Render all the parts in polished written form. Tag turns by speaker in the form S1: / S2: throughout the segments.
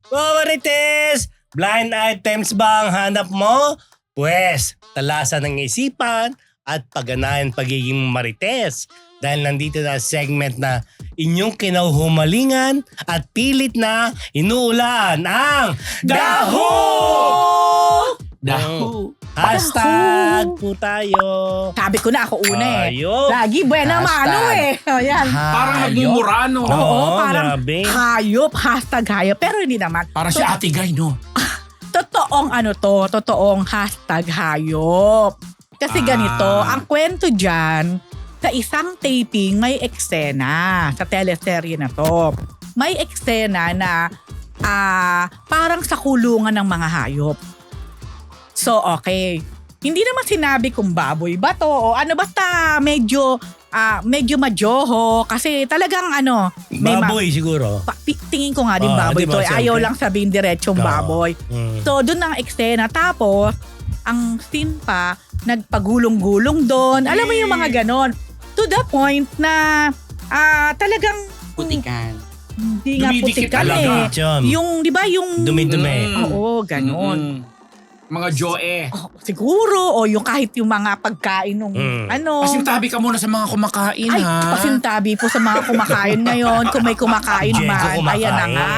S1: Marites! Blind items ba ang hanap mo? Pwes, talasan ng isipan at pagganahan pagiging marites. Dahil nandito na segment na inyong kinahumalingan at pilit na inuulan ang Daho!
S2: Daho!
S1: Hashtag po tayo.
S3: Sabi ko na ako una eh.
S1: Hayop.
S3: Lagi buena mano eh. Ayan.
S2: Parang nagmumura, no?
S3: Oo, parang
S1: grabe.
S3: hayop, hashtag hayop. Pero hindi naman.
S2: Parang si Ate Guy, no?
S3: Totoong hashtag hayop. Kasi ganito, ang kwento dyan, sa isang taping may eksena sa teleserye na to. May eksena na parang sa kulungan ng mga hayop. So, okay. Hindi naman sinabi kung baboy ba to o ano, basta medyo majoho kasi talagang
S1: Baboy siguro.
S3: tingin ko nga din baboy
S1: diba,
S3: to. Ayaw
S1: siyempre.
S3: lang sabihin diretsong baboy. So, doon ang eksena. Tapos, ang scene pa, nagpagulong-gulong doon. Alam mo yung mga ganon. To the point na talagang
S4: Putikan.
S3: hindi nga
S2: Dumidikit
S3: putikan
S2: talaga.
S3: eh.
S1: Chum.
S3: Yung, di ba yung...
S1: Dumi-dumi.
S3: Oo, ganon.
S2: Mga Joe.
S3: Siguro, o yung kahit yung mga pagkain nung
S2: Pasintabi ka muna sa mga kumakain,
S3: Ay,
S2: ha?
S3: pasintabi po sa mga kumakain ngayon. Kung may kumakain
S1: Jenko
S3: man,
S1: kumakain.
S3: ayan na nga.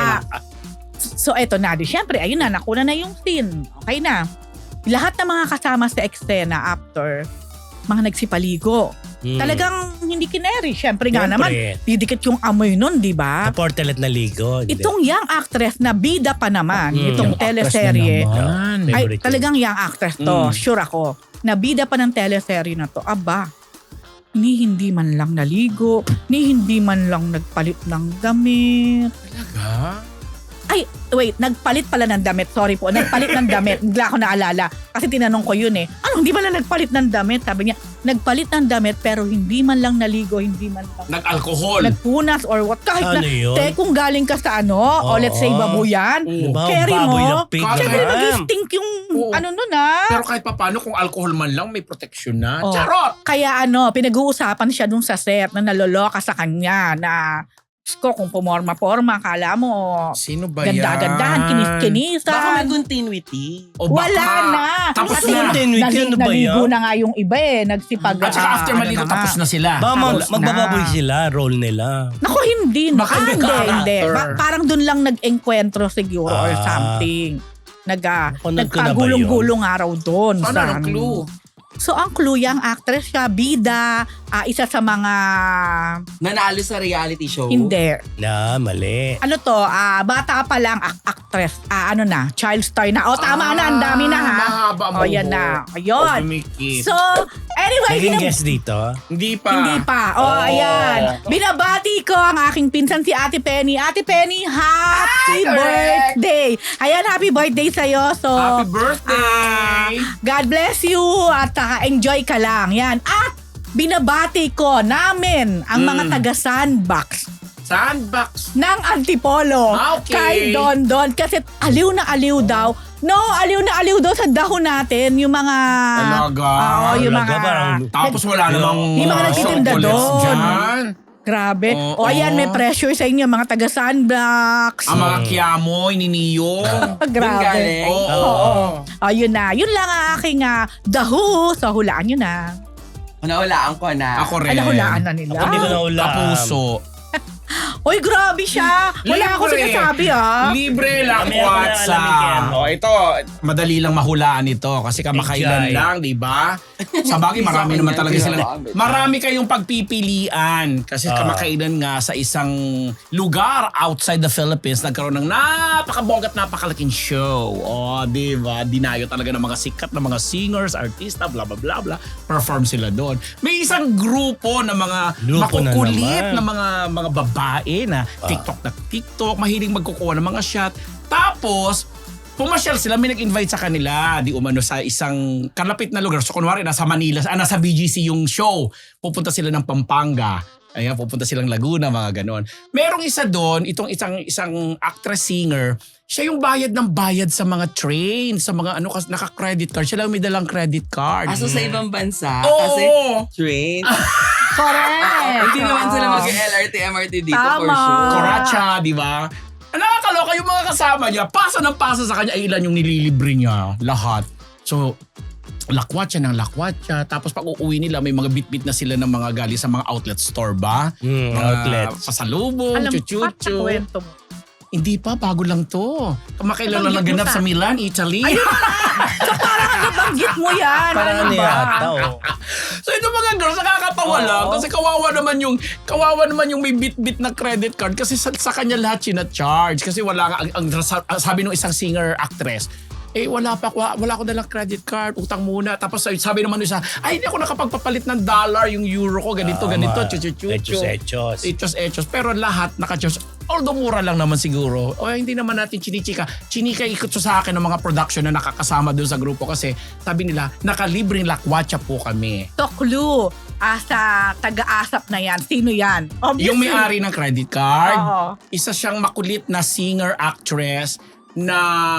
S3: So, eto na. Siyempre, ayun na, nakuna na yung scene. Okay na. Lahat ng mga kasama sa eksena after, mga nagsipaligo. Talagang hindi kineri. Siyempre nga naman, didikit yung amoy nun, di ba?
S1: Sa portalet na ligo. hindi.
S3: Itong young actress na bida pa naman, itong
S2: Yung actress
S3: teleserye.
S2: na naman.
S3: Ay,
S1: Favorite
S3: talagang young actress to. Sure ako. Nabida pa ng teleserye na to. Aba, hindi man lang naligo, hindi man lang nagpalit ng damit.
S2: Talaga?
S3: Ay, wait, nagpalit pala ng damit. Sorry po, nagpalit ng damit. Bigla ako naalala. Kasi tinanong ko yun eh. Ano, hindi man lang nagpalit ng damit? Sabi niya, nagpalit ng damit pero hindi man lang naligo, hindi man lang
S2: Nag-alcohol.
S3: nagpunas or what. Kahit
S1: Ano
S3: na,
S1: yun?
S3: kung galing ka sa o let's say babuyan,
S1: Diba?
S3: carry
S1: Baboy
S3: mo,
S1: na pig
S3: syempre
S1: naman.
S3: mag-stink yung
S2: Oo.
S3: nun
S2: Pero kahit papano, kung alcohol man lang, may protection na.
S3: Oh.
S2: Charot!
S3: Kaya pinag-uusapan siya dun sa set na naloloka sa kanya na ko kung pumorma-porma, kala mo
S2: Sino ba yan?
S3: ganda-gandahan,
S4: Baka
S3: kinis-kinisan.
S4: may continuity.
S2: O baka,
S3: Wala na.
S2: Tapos
S3: Kasi
S2: na.
S1: Ano ba
S3: naligo
S1: yan?
S3: na nga yung iba nagsipag.
S2: At saka after maligo,
S3: na
S2: tapos
S3: nga.
S2: na sila.
S1: Ba,
S3: Tapos na.
S1: magbababoy sila, role nila.
S3: Naku, hindi.
S2: Baka
S3: Hindi,
S2: yung
S3: hindi.
S2: character.
S3: Parang dun lang nag-enkwentro siguro or
S1: Ah.
S3: something.
S1: Napanood ko na ba
S3: Nagpagulong-gulong araw doon.
S2: Ano ang clue?
S3: So, ang clue, yung actress siya, bida, isa sa mga...
S4: Nanalo sa reality show.
S3: Hindi.
S1: Na, mali.
S3: Ano to, bata pa lang actress. Child star na. O, tama na, ang dami na ha.
S2: Mahaba ang
S3: O, yan na. Ayun.
S2: Dumikit.
S3: So, anyway,
S1: Naging guest dito.
S2: Hindi pa.
S3: Hindi pa. Ayan. Binabati ko ang aking pinsan si Ate Penny. Ate Penny, happy
S4: correct.
S3: birthday! Ayan, happy birthday sa'yo. So,
S2: Happy birthday!
S3: God bless you at enjoy ka lang. Yan. At binabati ko namin ang mga taga Sandbox
S2: Sandbox.
S3: ng Antipolo
S2: Okay.
S3: kay Don Don kasi aliw na aliw daw. No, aliw na aliw daw sa dahon natin yung mga
S2: Talaga?
S3: Oo, yung
S1: Talaga,
S3: mga
S1: parang-
S2: Tapos wala namang
S3: Yung mga nagtitinda
S2: chocolates
S3: doon.
S2: dyan.
S3: grabe.
S2: Oo.
S3: O ayan, may pressure sa inyo mga taga Sandbox.
S2: Ang mga kiyamo, ininiyong.
S3: Grabe.
S4: galing.
S2: Oo.
S3: Ayun na. Yun lang ang aking daho. So hulaan nyo na.
S4: Nahulaan ko na.
S2: Ako rin.
S3: Ay, nahulaan na nila.
S1: Hindi ko na ulam.
S2: Kapuso.
S3: Oy, grabe siya. Wala ako
S2: Libre.
S3: sinasabi
S2: Libre lang,
S1: Kami ako na alam ni Ken.
S2: WhatsApp. Ito, madali lang mahulaan ito kasi kamakailan
S1: Enjoy.
S2: lang, di ba? Sa bagay, marami naman talaga sila. Marami kayong pagpipilian kasi kamakailan nga sa isang lugar outside the Philippines nagkaroon ng napakabonggat, napakalaking show. Di ba? Dinayo talaga ng mga sikat na mga singers, artista, bla bla bla bla. Perform sila doon. May isang grupo na mga
S1: Grupo na
S2: makukulit
S1: naman.
S2: na mga babae na TikTok, mahiling magkukuha ng mga shot. Tapos, pumasyal sila, may nag-invite sa kanila, di umano sa isang kalapit na lugar. So kunwari, nasa Manila, nasa BGC yung show. Pupunta sila ng Pampanga. Ayan, pupunta silang Laguna, mga ganon. Merong isa doon, itong isang actress-singer, siya yung bayad ng bayad sa mga train, sa mga naka-credit card. Siya lang may dalang credit card.
S4: Aso sa ibang bansa.
S2: Oo.
S4: Kasi train.
S3: Correct.
S4: Hindi naman sila mag-LRT, MRT dito for
S3: Tama.
S4: sure.
S2: Koracha, di ba? Nakakaloka Nakakaloka yung mga kasama niya. Pasa ng pasa sa kanya. Ay, ilan yung nililibre niya. Lahat. So, lakwat siya ng lakwat siya. Tapos pag uuwi nila, may mga bit-bit na sila ng mga gali sa mga outlet store ba? Mga
S1: outlets.
S2: Pasalubong,
S3: Alam mo,
S2: chuchuchu.
S3: sa kwento mo.
S2: Hindi pa, bago lang to. Kamakailan lang
S3: Banggit mo
S2: naganap
S3: sa-
S2: sa Milan, Italy.
S3: So parang nabanggit mo yan.
S1: Parang
S3: ano
S1: ano
S3: ba?
S1: yata,
S2: So ito mga girls, nakakatawa lang kasi kawawa naman yung may bit-bit na credit card kasi sa kanya lahat sina-charge kasi wala nga ang sabi ng isang singer actress. Wala ko dalang credit card, utang muna. Tapos sabi naman nung isa, ay hindi ako nakapagpapalit ng dollar, yung euro ko, ganito,
S1: Echos.
S2: Echos. Pero lahat naka-charge. Although mura lang naman siguro. O hindi naman natin chinichika. Chinika ikot sa akin ng mga production na nakakasama doon sa grupo kasi sabi nila, nakalibreng lakwatsa po kami.
S3: So clue, sa taga-asap na yan, sino yan? Obviously.
S2: Yung may-ari ng credit card,
S3: Oo.
S2: isa siyang makulit na singer-actress na...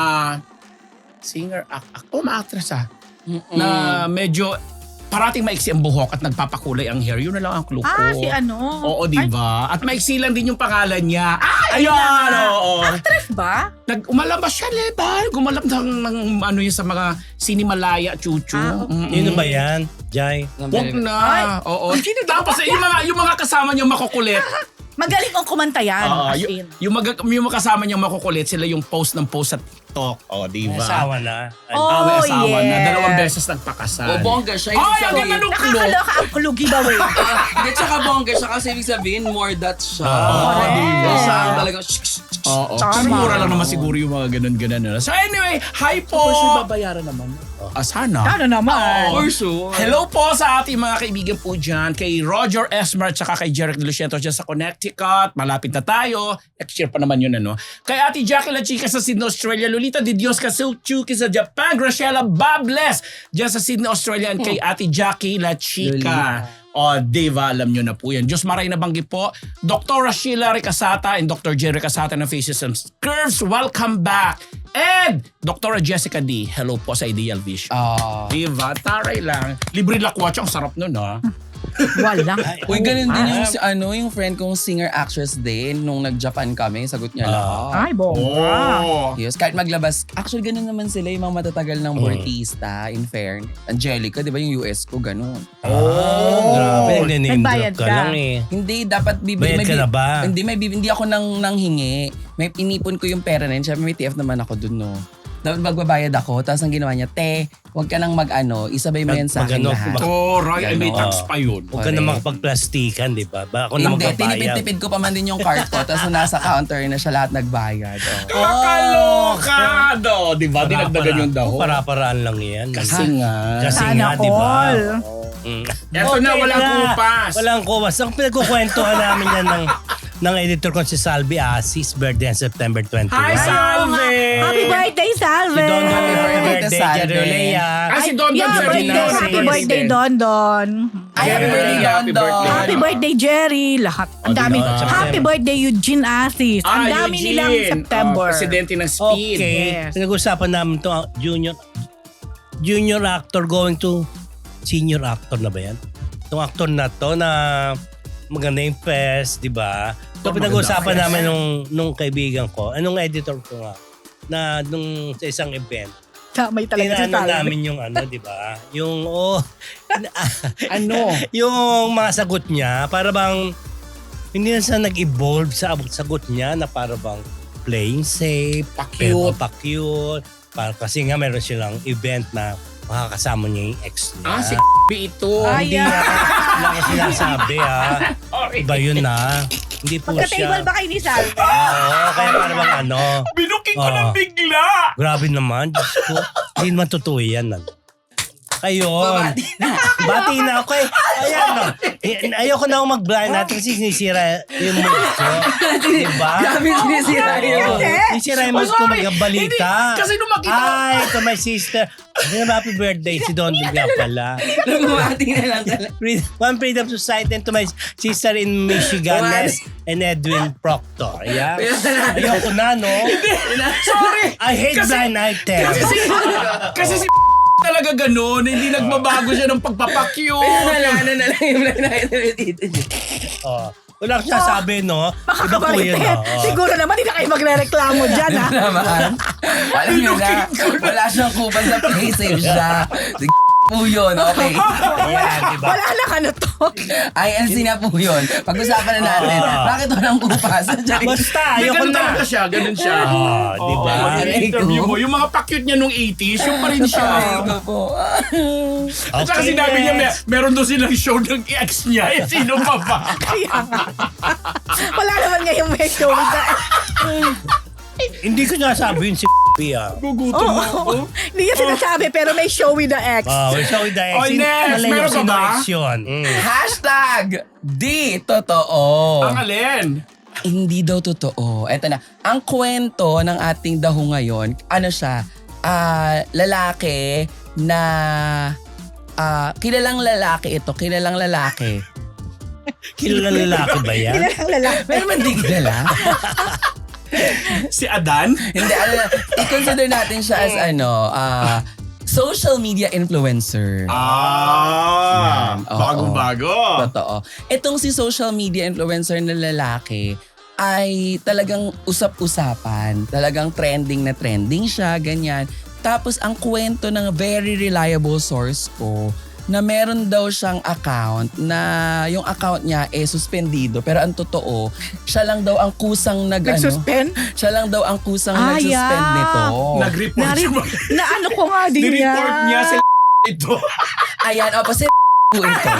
S2: ma-actress na medyo parating maiksi ang buhok at nagpapakulay ang hair. Yun na lang ang clue ko.
S3: Si ano?
S2: Oo, di ba? At maiksi lang din yung pangalan niya.
S3: Ayun na nga.
S2: Oo.
S3: Actress ba?
S2: Umalabas siya, Leban. Gumalap ng ano yun sa mga sinimalaya, chuchu.
S3: okay.
S1: Yun ba yan, Jai?
S2: Wag na. Oo. Tapos yung mga kasama niyo makukulit.
S3: Magaling ang kumanta yan.
S2: Oo,
S3: as in.
S2: yung mga kasama niyang makukulit, sila yung post ng post sa TikTok. Di ba?
S1: Asawa na.
S3: Oh,
S2: may asawa na.
S3: yes.
S2: 2 beses nagpakasal.
S4: O bongga siya.
S2: Ay,
S4: Ibig
S2: ang
S4: sabihin,
S2: ganda ng clue.
S3: Nakakaloka ang clue giveaway.
S4: Hindi, tsaka bongga siya kasi ibig sabihin, more that siya.
S3: Correct.
S4: Diba?
S3: Yeah.
S4: Talagang
S2: Oo.
S3: Tama.
S2: Kasi mura lang naman siguro yung mga ganun-ganun. So anyway, hi po.
S4: For sure, babayaran naman.
S2: Sana.
S3: Ano naman?
S4: For sure.
S2: Hello po sa ating mga kaibigan po dyan. Kay Roger Esmer at saka kay Jeric De Lucientos dyan sa Connecticut. Malapit na tayo. Next year pa naman yun, ano. Kay Ate Jackie La Chica sa Sydney, Australia. Lolita de Dios Kasuchuki sa Japan. Graciela Bables dyan sa Sydney, Australia. And kay Ate Jackie La Chica. Diva, alam nyo na po yan. Diyos maray na banggi po. Dr. Sheila Ricasata and Dr. Jerry Ricasata ng Faces and Curves. Welcome back. And Dr. Jessica D. Hello po sa Ideal Vision. Diva, taray lang. Libre lakwatsa, ang sarap nun ha.
S3: Wala.
S4: Uy, ganun din yung friend kong singer-actress din. Nung nag-Japan kami, sagot niya lahat.
S3: Ay, bongga.
S4: Yes, kahit maglabas. Actually, ganun naman sila yung mga matatagal ng Bortista, in fairness. Angelica, di ba yung US ko, ganun.
S1: Grabe, name
S3: Nagbayad
S1: drop ka
S3: ka.
S1: lang eh.
S4: Hindi, dapat
S1: Bayad ka na ba?
S4: Hindi ako nang hingi. May inipon ko yung pera na yun. Siyempre may TF naman ako dun, no. Dapat magbabayad ako. Tapos ang ginawa niya, huwag ka nang isabay mo yan sa akin
S1: Mag-ano,
S4: lahat.
S2: Right, may tax pa yun.
S1: Huwag ka na makapagplastikan, di ba? Ako na
S4: Hindi,
S1: magbabayad.
S4: tinipid-tipid ko pa man din yung card ko. Tapos nasa counter na siya lahat nagbayad.
S2: Makaloka! Di ba? Dinagdagan yung dahon.
S1: Para-paraan lang yan.
S2: Kasi nga.
S1: Kasi
S3: Sana
S1: nga, di ba?
S3: all.
S2: Eto na, walang kupas.
S1: Walang kupas. Ang pinagkukwentuhan namin yan ng editor ko si Salvi Asis, birthday on September 21.
S2: Hi, Salve!
S3: Happy birthday, Salve!
S1: Si Don Don,
S4: Happy birthday,
S1: birthday,
S4: Salve.
S1: Jarolea.
S2: Si Don Don
S3: Yeah,
S2: Ferdinand.
S3: birthday. Happy birthday, Don Don.
S4: Ay, happy birthday,
S2: Happy
S4: Don.
S2: birthday.
S3: Happy birthday, Jerry. Lahat. Ang dami.
S1: September.
S3: Happy birthday, Eugene Asis. Ang dami
S2: Eugene.
S3: nilang September.
S2: Presidente ng Speed.
S1: Okay.
S3: Yes.
S1: Pinag-usapan namin to junior actor going to senior actor na ba yan? Itong actor na to na maganda yung fest, di ba? So pinag-usapan namin nung kaibigan ko, anong editor ko nga, na nung sa isang event,
S3: May talaga si
S1: tinano
S3: Salve.
S1: namin yung di ba? Yung,
S2: Ano?
S1: yung mga sagot niya, para bang, hindi na siya nag-evolve sa sagot niya na para bang playing safe, pero
S2: Pa-cute.
S1: pa-cute. Kasi nga meron silang event na makakasama niya yung ex niya.
S2: Si ito.
S3: Ay,
S1: Hindi wala ko sinasabi Iba yun Hindi po siya.
S3: Magka-table ba kayo ni Salve?
S1: Oo, kaya para bang
S2: Binuking ko
S1: Oo.
S2: ng bigla.
S1: Grabe naman, Diyos ko. Hindi naman totoo yan. Ayun. Bati na ako eh. Ayan ayoko na akong mag-blind natin kasi sinisira yung mood ko. Diba?
S4: Grabe sinisira yun.
S1: Sinisira yung mood ko magbalita.
S2: Hindi, kasi nung makita-
S1: Ay, to my sister. Happy birthday si Don nga pala.
S4: Lumumati na lang talaga.
S1: One Freedom Society and to my sister in Michigan, Ness and Edwin Proctor. Yeah. Ayoko na, no?
S2: Sorry.
S1: I hate blind item.
S2: Kasi si talaga ganun. Hindi nagbabago siya ng pagpapakyo.
S4: Ano na lang yung blind item dito.
S1: Oh. Wala akong sinasabi, no? Iba po yun,
S3: Makakabalitin.
S1: no? Oo.
S3: Siguro naman, hindi na kayo magre-reklamo dyan, ha?
S4: naman. Alam nyo na, wala siyang kupal sa play safe siya. Po yun, okay.
S1: Ayan, diba?
S3: Wala na ka na to.
S4: INC na po yun. Pag-usapan na natin, bakit walang kupas?
S1: Basta,
S2: Hindi,
S1: ayoko
S2: ganun
S1: na.
S2: talaga siya, ganun siya.
S1: Di ba?
S2: Oo, yung interview mo, yung mga pa-cute niya nung 80s, yung pa rin siya.
S4: Ito po.
S2: At saka sinabi niya, meron doon silang show ng ex niya. Eh, sino pa ba?
S3: Kaya nga. Wala naman ngayong may show.
S1: Hindi ko nasabi yun si ah.
S2: Gugutom mo ako.
S3: Hindi niya sinasabi, pero may show with the ex.
S1: Oh, so with the ex.
S2: Oy, next! Meron ka ba?
S4: Hashtag di totoo.
S2: Ang alin?
S4: Hindi daw totoo. Eto na. Ang kwento ng ating daho ngayon, ano siya, lalaki na, kilalang lalaki ito, kilalang lalaki.
S1: Kilalang lalaki ba yan?
S3: Kilalang lalaki.
S4: Pero man di kilala.
S2: Si Adan?
S4: Hindi, i-consider natin siya as social media influencer.
S2: Ah,
S4: Yan, oo.
S2: bagong-bago.
S4: Totoo. Itong si social media influencer na lalaki ay talagang usap-usapan. Talagang trending na trending siya, ganyan. Tapos ang kwento ng very reliable source ko na meron daw siyang account na yung account niya suspendido. Pero ang totoo, siya lang daw ang kusang
S3: Nag-suspend?
S4: siya lang daw ang kusang nag-suspend
S3: yeah.
S4: nito.
S2: Nag-report siya.
S3: Na ano ko nga din
S2: Nireport niya sa ito.
S4: Ayan, opo, si po ito.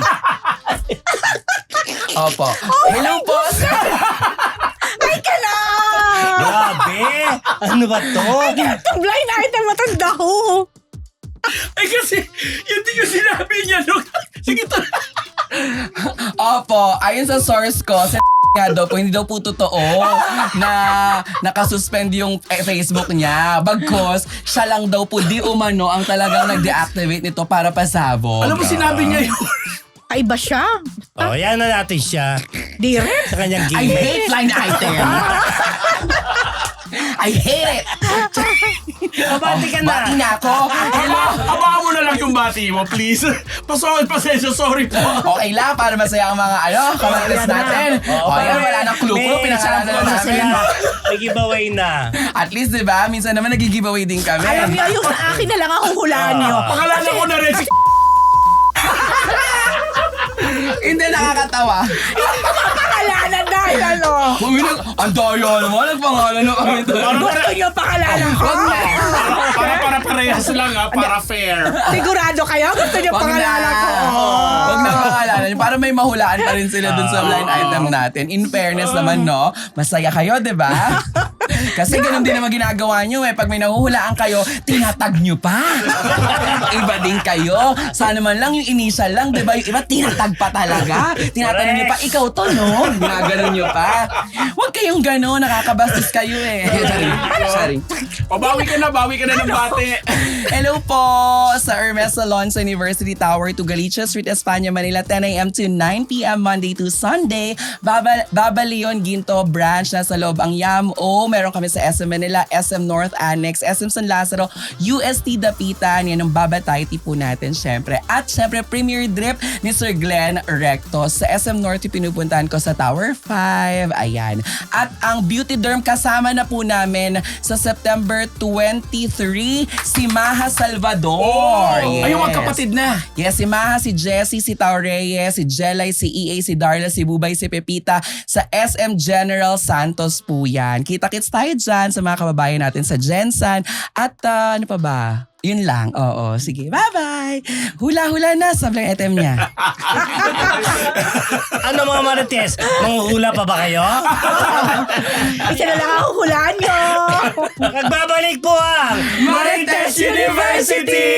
S4: Opo. Hello po, sir.
S3: Ay ka na!
S1: Grabe! Ano ba to?
S3: Itong blind item matanda ko.
S2: Ay kasi, yun din yung sinabi niya. No? Sige to.
S4: Opo, ayon sa source ko, si nga daw po, hindi daw po totoo na nakasuspend yung Facebook niya. Bagkos, siya lang daw po di umano ang talagang nag-deactivate nito para pasabog.
S2: Alam mo, sinabi niya yun.
S3: Ay ba siya?
S1: Oh, yan na natin siya.
S3: Di rin.
S1: Sa kanyang
S4: I
S1: gimmick.
S4: hate line item. I hate it.
S1: Mabati ka na.
S4: Bati na ako. Hello.
S2: Abangan mo na lang yung bati mo, please. Pasensya, sorry po.
S4: Okay lang, para masaya ang mga kamartes natin. O yan, wala nang clue. Pinangalanan na namin.
S1: May giveaway na.
S4: At least, di ba? Minsan naman nag-giveaway din kami.
S3: Alam niyo, yung sa akin na lang ang huhulaan niyo.
S2: Pangalanan ko na rin si
S4: Hindi nakakatawa.
S3: Pangalanan dahil ano?
S4: Ang daya naman, nagpangalan na kami.
S3: Gusto niyo pangalanan ko?
S4: Wag na.
S2: para parehas lang para fair.
S3: Sigurado kayo? Gusto niyo
S4: Wag na.
S3: pangalanan ko?
S4: Wag na pangalanan. Para may mahulaan pa rin sila dun sa line item natin. In fairness naman, no? Masaya kayo, di ba? Kasi ganun din naman ginagawa nyo Pag may nahuhulaan kayo, tinatag nyo pa. Iba din kayo. Sana man lang yung initial lang, di ba? Yung iba, tinatag pa talaga. Tinatanong nyo pa, ikaw to, no? Ginaganon nyo pa. Huwag kayong gano'n. Nakakabastos kayo Sorry.
S2: Bawi ka na ng bate.
S4: Hello po sa Hermes Salon sa University Tower to Galicia Street, Espanya, Manila, 10 a.m. to 9 p.m. Monday to Sunday. Baba Leon Ginto branch na sa loob ang YAMO. Meron kami sa SM Manila, SM North Annex, SM San Lazaro, UST Dapitan. Yan ang babatay po natin syempre. At syempre Premier Drip ni Sir Glenn Rectos. Sa SM North pinupuntahan ko sa Tower 5. Ayan. At ang Beauty Derm kasama na po namin sa September 23, si Maha Salvador.
S2: Ay, yung magkapatid na.
S4: Yes, si Maha, si Jessie, si Tao Reyes, si Jelay, si EA, si Darla, si Bubay, si Pepita sa SM General Santos po yan. Kita-kits tayo dyan sa mga kababayan natin sa Gensan. At ano pa ba? Yun lang. Oo, sige. Bye-bye. Hula-hula na sa blind item niya.
S1: Ano mga marites? Manghuhula pa ba kayo?
S3: Isa na lang ang huhulaan niyo.
S1: Nagbabalik po ang
S4: Marites University!